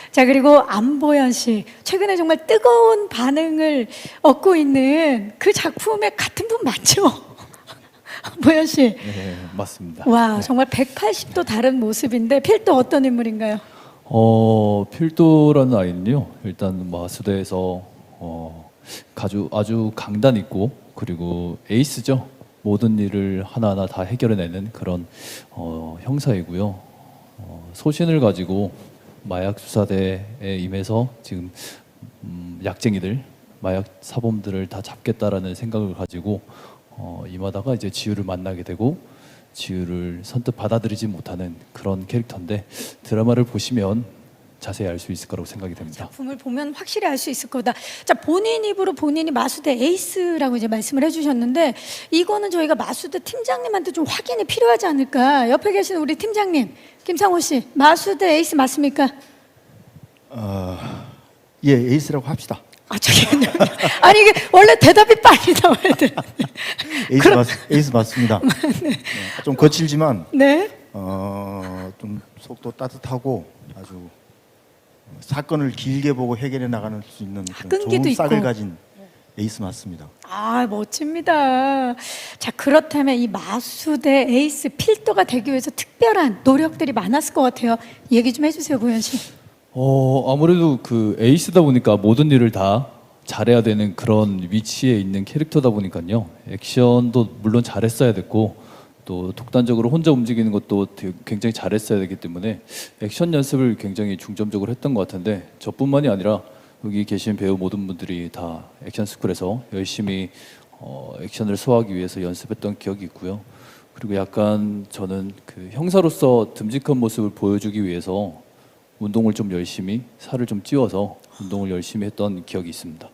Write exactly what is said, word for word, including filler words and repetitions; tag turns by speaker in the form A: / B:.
A: 자, 그리고 안보현 씨, 최근에 정말 뜨거운 반응을 얻고 있는 그 작품의 같은 분 맞죠? 보현 씨.
B: 네, 맞습니다.
A: 와,
B: 네.
A: 정말 백팔십 도 다른 모습인데 필도 어떤 인물인가요?
B: 어, 필도라는 아이는요. 일단 마수대에서 어, 아주 아주 강단 있고 그리고 에이스죠. 모든 일을 하나하나 다 해결해내는 그런 어, 형사이고요. 어, 소신을 가지고 마약 수사대에 임해서 지금 음, 약쟁이들, 마약 사범들을 다 잡겠다라는 생각을 가지고 어, 임하다가 이제 지우를 만나게 되고 지우를 선뜻 받아들이지 못하는 그런 캐릭터인데 드라마를 보시면 자세히 알 수 있을 거라고 생각이 됩니다.
A: 작품을 보면 확실히 알 수 있을 거다. 자, 본인 입으로 본인이 마수대 에이스라고 이제 말씀을 해주셨는데 이거는 저희가 마수대 팀장님한테 좀 확인이 필요하지 않을까? 옆에 계시는 우리 팀장님 김상호 씨, 마수대 에이스 맞습니까?
C: 어, 예, 에이스라고 합시다.
A: 아, 잠깐만요. 아니 이게 원래 대답이 빨리 나와야 돼.
C: 에이스,
A: 그럼-
C: 맞, 에이스 맞습니다. 네, 좀 거칠지만
A: 네.
C: 어, 좀 속도 따뜻하고 아주 사건을 길게 보고 해결해 나가는 수 있는 그런
A: 끈기도
C: 좋은 싹을
A: 있고.
C: 가진 에이스 맞습니다.
A: 아, 멋집니다. 자, 그렇다면 이 마수대 에이스 필도가 되기 위해서 특별한 노력들이 많았을 것 같아요. 얘기 좀 해주세요, 보현 씨.
B: 어, 아무래도 그 에이스다 보니까 모든 일을 다 잘해야 되는 그런 위치에 있는 캐릭터다 보니까요. 액션도 물론 잘했어야 됐고 또 독단적으로 혼자 움직이는 것도 되게 굉장히 잘했어야 되기 때문에 액션 연습을 굉장히 중점적으로 했던 것 같은데 저뿐만이 아니라 여기 계신 배우 모든 분들이 다 액션 스쿨에서 열심히 어, 액션을 소화하기 위해서 연습했던 기억이 있고요. 그리고 약간 저는 그 형사로서 듬직한 모습을 보여주기 위해서 운동을 좀 열심히 살을 좀 찌워서 운동을 열심히 했던 기억이 있습니다.